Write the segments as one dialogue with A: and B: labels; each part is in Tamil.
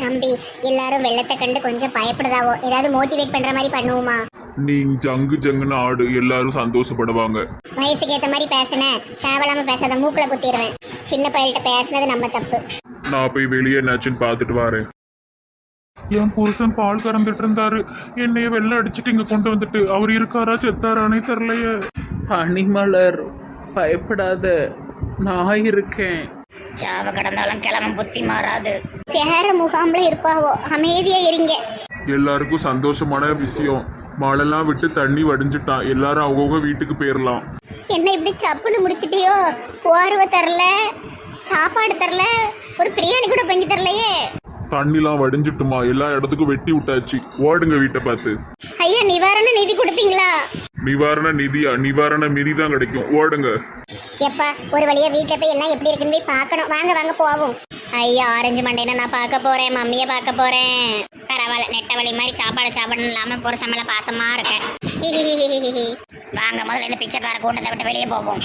A: தம்பி எல்லாரும் வெள்ளத்தை கண்டு கொஞ்சம் பயப்படுதாவோ, ஏதாவது மோட்டிவேட் பண்ற மாதிரி பண்ணுவோமா?
B: நீ ஜங்கு ஜங்குன்னு ஆடு, எல்லாரும் சந்தோஷப்படுவாங்க.
A: வயசுக்கு ஏத்த மாதிரி பேசுன, தேவையில்லாம பேசாத, மூக்குல குத்திடுவேன். சின்ன பையல்கிட்ட பேசுனது நம்ம தப்பு.
B: நான் போய் வெளியே என்னாச்சுன்னு பார்த்துட்டு வரேன். என் புருஷன் பால் கறந்துட்டு இருந்தாரு, என்னைய வெள்ளை அடிச்சுட்டு இங்க கொண்டு வந்துட்டு, அவர் இருக்காரா செத்தாரானே தெரியலையே.
C: பனிமலர், பயப்படாத, நான் இருக்கேன்.
D: சாவ கடந்தாலும் கிளம்ப புத்தி மாறாது.
A: வேற முகாம்ல இருப்பாவோ, அமைதியா இருங்க.
B: எல்லாருக்கும் சந்தோஷமான விஷயம், மழைலாம் விட்டு தண்ணி வடிஞ்சிட்டான், எல்லாரும் அவங்கவுங்க வீட்டுக்கு போயிடலாம்.
A: என்ன இப்படி சப்புன்னு முடிச்சிட்டியோ? போர்வை தரல, சாப்பாடு தரல, ஒரு பிரியாணி கூட பண்ணி தரலையே.
B: தண்ணிலாம் வடிஞ்சிட்டுமா, எல்லா இடத்துக்கும் வெட்டி விட்டாச்சு, ஓடுங்க வீட்டை பார்த்து.
A: ஐயா, நிவாரண நிதி கொடுப்பீங்களா?
B: நிவாரண நிதியா? நிவாரண மிதி தான் கிடைக்கும், ஓடுங்க.
A: எப்பா ஒரு வழியா வீட்டுல போய் எல்லாம் எப்படி இருக்குன்னு போய் பார்க்கணும். வாங்க வாங்க போவோம். ஐயா ஆரஞ்சு மண்டையில நான் பார்க்க போறேன், மம்மிய பார்க்க போறேன்.
D: பரவாயில்ல, நெட்ட வழி மாதிரி சாப்பாடு சாப்பிடணும் இல்லாம புருஷ மேல பாசமா இருக்கேன். வாங்க முதல்ல இந்த பிச்சைக்கார கூட்டத்தை விட்டு வெளியே போவோம்.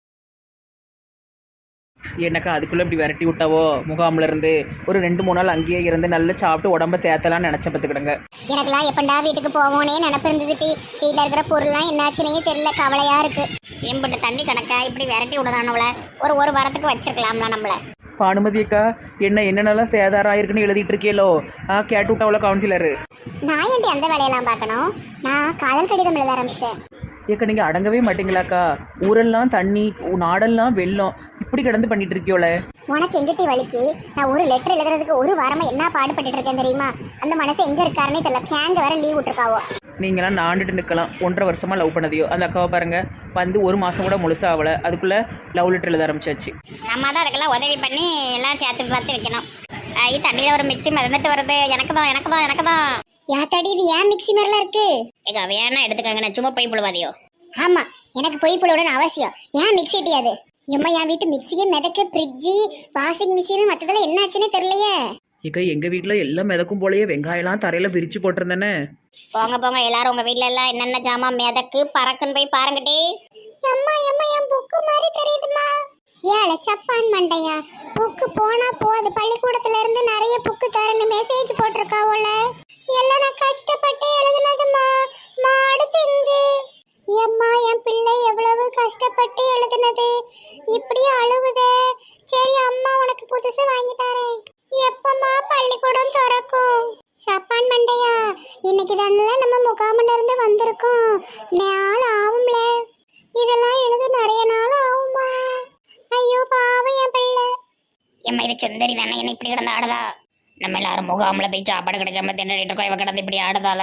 C: எனக்கு அதுக்குள்ளே இப்படி விரட்டி விட்டாவோ முகாமில் இருந்து ஒரு 2-3 நாள் அங்கேயே இருந்து நல்லா சாப்பிட்டு உடம்ப தேத்தலாம்னு நினச்ச பார்த்துக்கிடுங்க.
A: எனக்குலாம் எப்பண்டா வீட்டுக்கு போவோனே நினப்பு இருந்தது. வீட்டில் இருக்கிற பொருள்லாம் என்னாச்சுன்னே தெரியல, கவலையா இருக்கு.
D: எம்பிட்டு தண்ணி கணக்கா இப்படி விரட்டி விடுதானவள, ஒரு வாரத்துக்கு வச்சிருக்கலாம்ல நம்மள.
C: பானுமதி அக்கா, என்னென்னலாம் சேதாரம் ஆயிருக்குன்னு எழுதிட்டு இருக்கீங்களோ? கேட்டு விட்டாவளோ கவுன்சிலரு.
A: நான் ஏன்டி அந்த வேலையெல்லாம் பார்க்கணும்? நான் காதல் கடிதம் எழுத ஆரம்பிச்சிட்டேன்.
C: ஏக்கா நீங்கள் அடங்கவே மாட்டீங்களாக்கா? ஊரெல்லாம் தண்ணி, நாடெல்லாம் வெள்ளம், இப்படி கிடந்து பண்ணிட்டு இருக்கியோல.
A: உனக்கு எங்கிட்டி வலிக்கு? நான் ஒரு லெட்டர் எழுதுறதுக்கு ஒரு வாரமா என்ன பாடுபட்டு இருக்கேன் தெரியுமா? அந்த மனசு எங்க இருக்காருன்னே தெரியல. கேங்க வேற லீவ் விட்டுருக்காவோ.
C: நீங்களாம் நாண்டுட்டு நிற்கலாம், 1.5 வருஷமா லவ் பண்ணதையோ. அந்த அக்காவை பாருங்க, வந்து 1 மாதம் கூட முழுசா ஆகலை, அதுக்குள்ளே லவ் லெட்டர் எழுத ஆரம்பிச்சாச்சு.
D: நம்ம தான் அதுக்கெல்லாம் உதவி பண்ணி எல்லாம் சேர்த்து பார்த்து வைக்கணும். தண்ணியில் ஒரு மிக்ஸி மறந்துட்டு வருது. எனக்கு தான்
A: யாத்தாடி, இது ஏன் மிக்ஸி மாதிரிலாம் இருக்கு?
D: எங்க வேணா எடுத்துக்கங்க, நான் சும்மா போய் புழுவாதியோ.
A: ஆமா, எனக்கு பொய் புலவுடன் அவசியம். ஏன் மிக்ஸி இட்டியாது? எம்மா, என் வீட்டு மிக்ஸியே மிதக்கு, ஃப்ரிட்ஜு, வாஷிங் மிஷின், மற்றதெல்லாம் என்னாச்சுன்னே தெரியலையே.
C: இக்கா எங்கள் வீட்டில் எல்லாம் மிதக்கும் போலயே, வெங்காயம்லாம் தரையில் விரிச்சு போட்டிருந்தேனே.
D: போங்க எல்லாரும் உங்க வீட்ல எல்லாம் என்னென்ன ஜாமான் மிதக்கு பறக்குன்னு போய் பாருங்கட்டி.
A: எம்மா என் புக்கு மாதிரி தெரியுதுமா. ஏழை சப்பான் மண்டையா, புக்கு போனா போகுது. பள்ளிக்கூடத்துல இருந்து நிறைய புக்கு தரேன்னு மெசேஜ் போட்டிருக்காவோல. எல்லாம் நான் கஷ்டப்பட்டு எழுதுனதுமா, மாடு திங்கு. எம்மா, என் பிள்ளை எவ்வளவு கஷ்டப்பட்டு எழுதுனது, இப்படி அழுவுதே. சரி அம்மா, உனக்கு புதுசு வாங்கி தரேன். எப்பமா பள்ளிக்கூடம் திறக்கும்? சப்பான் மண்டையா, இன்னைக்கு தானே நம்ம முகாமில் இருந்து வந்திருக்கோம். நாள் ஆகும்ல, இதெல்லாம் எழுத நிறைய நாள் ஆகுமா? ஐயோ பாவம் என் பிள்ளை.
D: எம்மா இது சுந்தரி தானே என்ன இப்படி கிடந்து ஆடுதா? நம்ம எல்லாரும் முகாமில் போய் சாப்பாடு கிடைக்காம தின்னுட்டு இருக்கோம், இவ கிடந்து இப்படி ஆடுதால.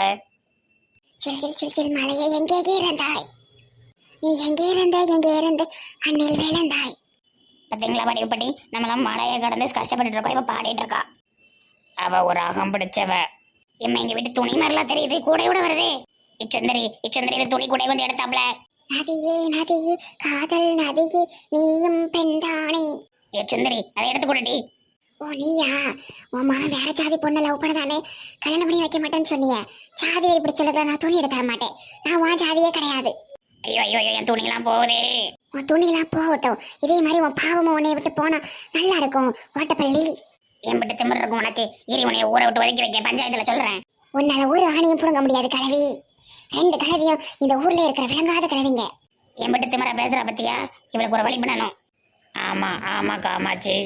A: சில் மலையை எங்கே இருந்தாய்? நீ எங்கே இருந்து அண்ணில் விழுந்தாய்?
D: பார்த்தீங்களா படிப்பட்டி, நம்மளாம் மழையை கடந்து கஷ்டப்பட்டு இருக்கோம், இவ பாடிட்டு இருக்கா. அவ ஒரு அகம் பிடிச்சவ. எம்மா எங்க வீட்டு துணி மாதிரிலாம் தெரியுது, கூடையோட வருது. இச்சந்திரி இது துணி கூட கொஞ்சம் எடுத்தாப்ல.
A: நதியே காதல் நதியே, நீயும் பெண்தானே.
D: சுந்தரி அதை எடுத்து கூடட்டி.
A: ஓ நீயா? உன் மகன் வேற ஜாதி பொண்ணை லவ் பண்ணதானே கல்யாணம் பண்ணி வைக்க மாட்டேன்னு சொன்னிய. ஜாதி வை பிடிச்சல, நான் துணி எடுத்து தர மாட்டேன். நான் உன் ஜாதியே கிடையாது.
D: ஐயோ என் துணிலாம் போகுதே.
A: உன் துணிலாம் போகட்டும், இதே மாதிரி உன் பாவமும் உன்னை விட்டு போனா நல்லா இருக்கும். ஓட்டப்பள்ளி
D: என் விட்டு திமிர் இருக்கும் உனக்கு. இரு உனைய ஊரை விட்டு ஒதுக்கி வைக்க பஞ்சாயத்துல சொல்றேன்.
A: உன்னால ஒரு ஆணையும் புடுங்க முடியாது கிழவி. 2 கிழவியும் இந்த ஊர்ல இருக்கிற விளங்காத கிழவிங்க.
D: என் விட்டு திமிர பேசுற பத்தியா? இவளுக்கு ஒரு வழி பண்ணணும். ஆமா காமாச்சி.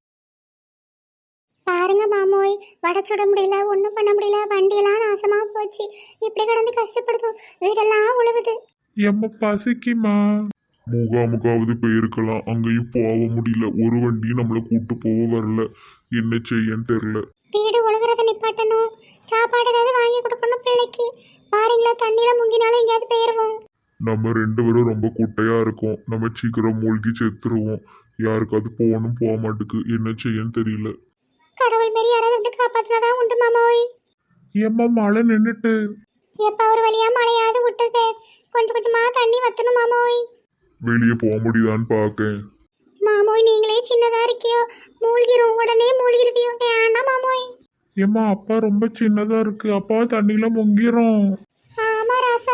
A: பாருங்க மாமோய், வடை சுட முடியல, ஒன்றும் பண்ண முடியல. வண்டியெல்லாம் நாசமா போச்சு. இப்படி கிடந்து கஷ்டப்படுதும், வீடெல்லாம் உழுவுது.
B: எம்ம பசிக்குமா? முகாமுக்காவது போயிருக்கலாம், அங்கேயும் போக முடியல. ஒரு வண்டியும் நம்மளை கூட்டு போக வரல, என்ன செய்யன்னு தெரியல.
A: வீடு ஒழுகுறத நிப்பாட்டணும், சாப்பாடு ஏதாவது வாங்கி கொடுக்கணும் பிள்ளைக்கு. பாருங்களா, தண்ணியில முங்கினாலும் எங்கேயாவது போயிருவோம்.
B: நம்ம 2 பேரும் ரொம்ப குட்டையா இருக்கோம், நம்ம சீக்கிரம் மூழ்கி செத்துருவோம். யாருக்காவது போகணும், போக மாட்டுக்கு, என்ன செய்யன்னு தெரியல.
A: கடவுள் மாரி யாராவது வந்து காப்பாத்தினாதான் உண்டு மாமோய்.
B: ஏம்மா மழை நின்னுட்டு?
A: எப்ப ஒரு வழியா மழையாவது விட்டது, கொஞ்சம் கொஞ்சமா தண்ணி வத்தணும் மாமோய்.
B: வெளியே போக முடியுதான்னு பாக்கேன்.
A: மாமோய், நீங்களே சின்னதா இருக்கியோ, மூழ்கிரும், உடனே மூழ்கிருவியோ. வேண்டாம் மாமோய்.
B: ஏம்மா அப்பா ரொம்ப சின்னதா இருக்கு, அப்பா தண்ணியில முங்கிரும்.
A: ஆமா ராசா.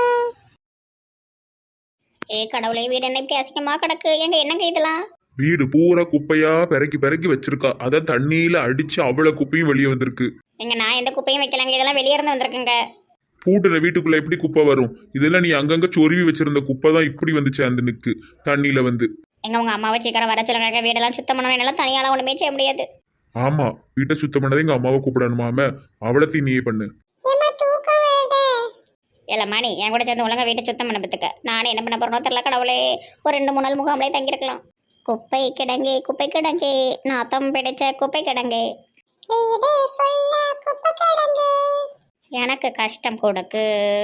D: கடவுளே, வீடு என்ன இப்படி அசிங்கமா கிடக்கு? எங்க என்னங்க இதெல்லாம்?
B: வீடு பூரா குப்பையா பெருக்கி வச்சிருக்கா, அத தண்ணியில அடிச்சு அவ்வளவு குப்பையும் வெளியே வந்திருக்கு.
D: எங்க நான் எந்த குப்பையும் வைக்கலங்க, இதெல்லாம் வெளியே இருந்து வந்திருக்குங்க.
B: பூட்டுற வீட்டுக்குள்ள எப்படி குப்பை வரும்? இதெல்லாம் நீ அங்கங்க சொருவி வச்சிருந்த குப்பை தான் இப்படி வந்துச்சு அந்த நிக்கு தண்ணியில வந்து.
D: எங்க உங்க அம்மாவை சீக்கிரம் வர சொல்லுங்க, வீடெல்லாம் சுத்தம் பண்ண என்னால தனியால ஒண்ணுமே செய்ய முடியாது.
B: ஆமா, வீட்டை சுத்தம் பண்ணதே எங்க அம்மாவை கூப்பிடணுமாம, அவளத்தையும் நீயே பண்ணு.
A: ஏம்மா தூக்கம் வருதே.
D: இல்ல மணி என் கூட சேர்ந்து ஒழுங்கா வீட்டை சுத்தம் பண்ண பத்துக்க. நானே என்ன பண்ண போறனோ தெரியல கடவுளே. ஒரு 2-3 நாள் முகாம்லே தங்கியிருக்கலாம். குப்பை கிடங்கு குப்பை கிடங்கு, நாத்தம் பிடிச்ச குப்பை கிடங்கு,
A: வீடு ஃபுல்லா குப்பை கிடங்கு.
D: எனக்கு கஷ்டம் கொடுக்கு.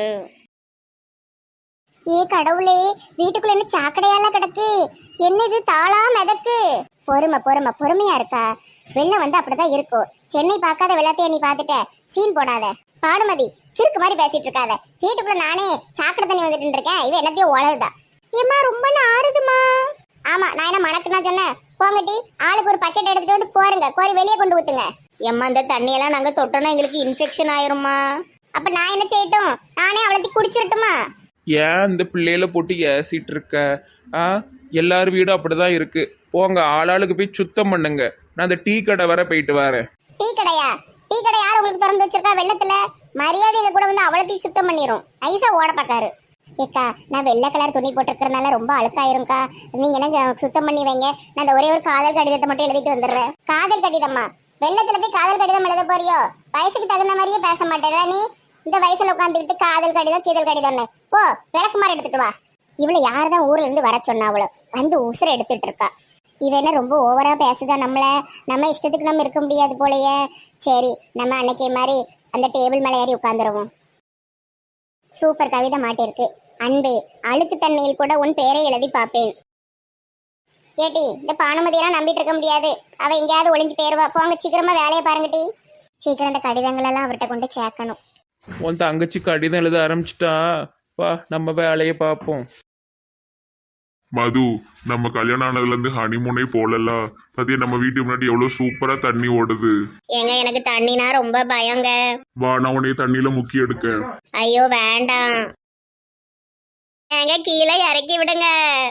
A: ஏ கடவுளே, வீட்டுக்குள்ள என்ன சாக்கடையால கிடக்கு? என்ன இது தாளா மிதக்கு? பொறுமையா இருக்கா? வெள்ளம் வந்து அப்படிதான் இருக்கும். சென்னை பார்க்காத வெள்ளத்தையே நீ பார்த்துட்ட, சீன் போடாத. பாடுமதி, கிறுக்கு மாதிரி பேசிட்டு இருக்காத. வீட்டுக்குள்ள நானே சாக்கடை தண்ணி வந்துட்டு இருக்கேன், இவ என்னத்தையும் உழவுதா. ஏம்மா ரொம்ப நாறுதுமா. ஆமா, நான் என்ன மணக்குன்னா சொன்னேன்? போங்கட்டி, ஆளுக்கு ஒரு பக்கெட் எடுத்துட்டு வந்து கோருங்க, கோரி வெளியே கொண்டு ஊத்துங்க.
D: எம்மா இந்த தண்ணியெல்லாம் நாங்க தொட்டோம்னா எங்களுக்கு இன்ஃபெக்ஷன் ஆயிருமா?
A: அப்ப நான் என்ன செய்யட்டும்? நானே அவ்வளோத்தையும் குடிச்சிடட்டுமா?
E: ஏன் இந்த பிள்ளையில போட்டு ஏசிட்டு இருக்க? ஆ, எல்லார் வீடும் அப்படிதான் இருக்கு. போங்க, ஆளாளுக்கு போய் சுத்தம் பண்ணுங்க. நான் அந்த டீ கடை வர போயிட்டு வரேன்.
A: டீ கடையா? டீ கடை யார் உங்களுக்கு திறந்து வச்சிருக்கா வெள்ளத்துல? மரியாதை எங்க கூட வந்து அவ்வளோத்தையும் சுத்தம் பண்ணிரும். ஐசா ஓட பாக்காரு. ஏக்கா, நான் வெள்ளை கலர் துணி போட்டிருக்கிறதுனால ரொம்ப அழுக்காயிரும்க்கா, நீங்க எல்லாம் சுத்தம் பண்ணி வைங்க. நான் அந்த ஒரே ஒரு காதல் கடிதத்தை மட்டும் எழுதிட்டு வந்துடுறேன். காதல் கடிதமா? வெள்ளத்துல போய் காதல் கடிதம் எழுத போறியோ? வயசுக்கு தகுந்த மாதிரியே பேச மாட்டேன் நீ. இந்த வயசுல உட்காந்துக்கிட்டு காதல் கடிதம் கீதல் கடிதம்னு போ, விளக்குமாறு எடுத்துட்டு வா. இவளை யாருதான் ஊர்ல இருந்து வர சொன்னா? அவளோ வந்து உசுர எடுத்துட்டு இருக்கா. இவ என்ன ரொம்ப ஓவரா பேசுதா நம்மள? நம்ம இஷ்டத்துக்கு நம்ம இருக்க முடியாது போலயே. சரி, நம்ம அன்னைக்கு மாதிரி அந்த டேபிள் மேலே ஏறி உட்காந்துருவோம். சூப்பர் கவிதை மாட்டிருக்கு. அன்பே, அழுக்கு தண்ணியில் கூட உன் பேரை எழுதி பார்ப்பேன். ஏட்டி, இந்த பானுமதியெல்லாம் நம்பிட்டு இருக்க முடியாது. அவ எங்கேயாவது ஒளிஞ்சு போயிருவா. போங்க, சீக்கிரமா வேலையை பாருங்க டி. சீக்கிரம் இந்த கடிதங்கள் எல்லாம் அவர்கிட்ட கொண்டு சேர்க்கணும்.
E: உன் தங்கச்சி கடிதம் எழுத ஆரம்பிச்சிட்டா, வா நம்ம வேலையை பார்ப்போம்.
B: மது, நம்ம கல்யாணம் ஆனதுல இருந்து ஹனிமூனே போலல. பத்தியா நம்ம வீட்டுக்கு முன்னாடி எவ்வளவு சூப்பரா தண்ணி ஓடுது.
A: ஏங்க, எனக்கு தண்ணினா ரொம்ப பயங்க.
B: வா, நான் உன்னைய தண்ணியில முக்கி எடுக்க.
A: ஐயோ வேண்டாம். ஏங்க கீழே இறக்கி விடுங்க.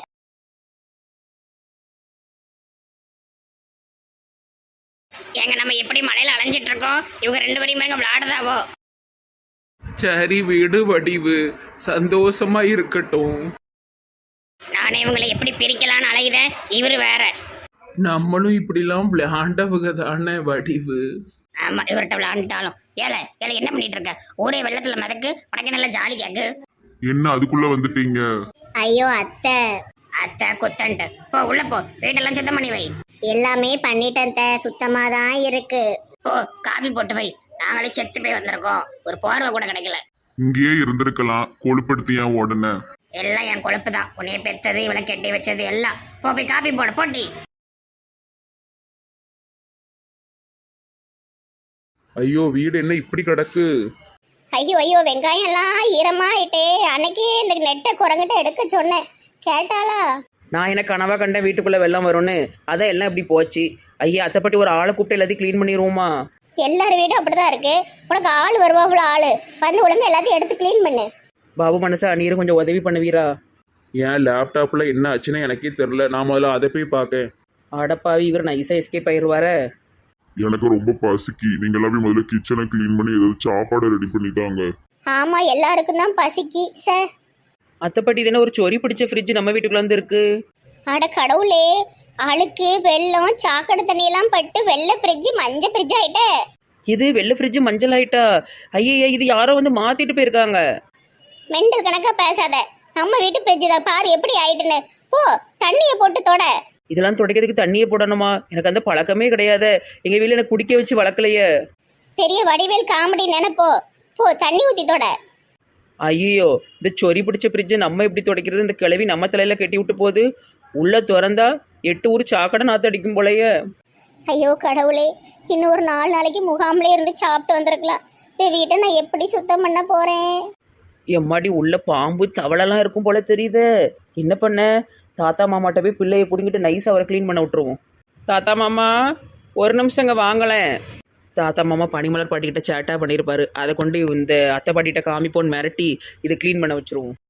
D: எங்க நம்ம எப்படி மழையில அலைஞ்சிட்டு இருக்கோம், இவங்க 2 பேரையும் பாருங்க விளையாடுதாவோ.
E: சரி வீடு வடிவு சந்தோஷமா இருக்கட்டும்.
D: நானே இவங்களை எப்படி பிரிக்கலான்னு அலையுதேன், இவரு வேற.
E: நம்மளும் இப்படிலாம் விளையாண்டவங்க தானே வடிவு.
D: ஆமா, இவர்கிட்ட விளையாண்டாலும் ஏல என்ன பண்ணிட்டு இருக்க? ஒரே வெள்ளத்துல மிதக்கு, உனக்கு நல்லா ஜாலி கேக்கு.
B: என்ன அதுக்குள்ள வந்துட்டீங்க?
A: ஐயோ அத்தை.
D: அத்தை குத்தன்ட்டு போ, உள்ள போ, வீட்டெல்லாம் சுத்தம் பண்ணி வை.
A: எல்லாமே பண்ணிட்டேன் அத்தை, சுத்தமா தான் இருக்கு.
D: போ, காபி போட்டு வை. நாங்களே செத்து போய் வந்திருக்கோம், ஒரு போர்வை கூட கிடைக்கல.
B: இங்கேயே இருந்திருக்கலாம், கொழுப்படுத்தி ஏன் உடனே?
D: எல்லாம் என் கொழுப்பு தான். உன்னைய பெத்தது, இவளை கெட்டி வச்சது எல்லாம். போ போய் காபி போட போட்டி.
E: ஐயோ, வீடு என்ன இப்படி கிடக்கு?
A: ஐயோ வெங்காயம் எல்லாம் ஈரமாயிட்டே. அன்னைக்கு இந்த நெட்டை குரங்கிட்ட எடுக்க சொன்னேன், கேட்டாளா?
C: நான் என்ன கனவா கண்டேன் வீட்டுக்குள்ளே வெள்ளம் வரும்னு? அதான் எல்லாம் இப்படி போச்சு. ஐயா, அத்தைப்பட்டி ஒரு ஆளை கூப்பிட்டு எல்லாத்தையும் க்ளீன் பண்ணிடுவோமா?
A: எல்லார் வீடும் அப்படிதான் இருக்கு. உனக்கு ஆள் வருவாப்புல, ஆளு வந்து ஒழுங்கா எல்லாத்தையும் எடுத்து க்ளீன் பண்ணு.
C: பாபு மனசா, நீரும் கொஞ்சம் உதவி பண்ணுவீரா?
E: என் லேப்டாப்ல என்ன ஆச்சுன்னு எனக்கே தெரில. நான் முதல்ல அதை போய் பார்க்கேன்.
C: அடப்பாவி, இவர் நைஸாக எஸ்கேப் ஆயிடுவார.
B: எனக்கு ரொம்ப பசிக்கு. நீங்க எல்லாமே முதல்ல கிச்சனை கிளீன் பண்ணி ஏதாவது சாப்பாடு ரெடி பண்ணி தாங்க.
A: ஆமா, எல்லாருக்கும் தான் பசிக்கு சார்.
C: அத்தைப்பட்டி தானே ஒரு சொறி பிடிச்ச ஃப்ரிட்ஜ் நம்ம வீட்டுக்குள்ள வந்து இருக்கு.
A: அட கடவுளே, அழுக்கு வெள்ளம் சாக்கடை தண்ணி எல்லாம் பட்டு வெள்ளை ஃப்ரிட்ஜ் மஞ்சள் ஃப்ரிட்ஜ் ஆயிட்ட.
C: இது வெள்ளை ஃப்ரிட்ஜ் மஞ்சள் ஆயிட்டா? ஐயா, இது யாரோ வந்து மாத்திட்டு போயிருக்காங்க.
A: மெண்டல் கணக்கா பேசாத. நம்ம வீட்டு ஃப்ரிட்ஜ் தான் பாரு எப்படி ஆயிட்டுன்னு. போ, தண்ணியை போட்டு தொட.
C: இதெல்லாம் துடைக்கிறதுக்கு தண்ணியே போடணுமா? எனக்கு அந்த பழக்கமே கிடையாது. எங்க வீட்டில் எனக்கு குடிக்க வச்சு வளர்க்கலையே.
A: பெரிய வடிவேல் காமெடி நினைப்போ. போ, தண்ணி ஊத்தி தொட.
C: ஐயோ, இந்த சொறி பிடிச்ச ஃப்ரிட்ஜை நம்ம எப்படி துடைக்கிறது? இந்த கிளவி நம்ம தலையில கட்டி விட்டு போகுது. உள்ள திறந்தா 8 ஊர் சாக்கடை நாத்து அடிக்கும் போலயே.
A: ஐயோ கடவுளே, இன்னும் ஒரு 4 நாளைக்கு முகாம்ல இருந்து சாப்பிட்டு வந்திருக்கலாம். இந்த வீட்டை நான் எப்படி சுத்தம் பண்ண போறேன்?
C: எம்மாடி, உள்ள பாம்பு தவளெல்லாம் இருக்கும் போல தெரியுது. என்ன பண்ண? தாத்தா மாமாட்ட போய் பிள்ளையை பிடிங்கிட்டு நைஸ் அவரை க்ளீன் பண்ண விட்டுருவோம். தாத்தா மாமா, ஒரு நிமிஷம் இங்கே வாங்கலேன். தாத்தா மாமா பனிமலர் பாட்டிக்கிட்ட சேட்டாக பண்ணியிருப்பாரு. அதை கொண்டு இந்த அத்தை பாட்டிகிட்ட காமிப்போன்னு மிரட்டி இதை க்ளீன் பண்ண வச்சுருவோம்.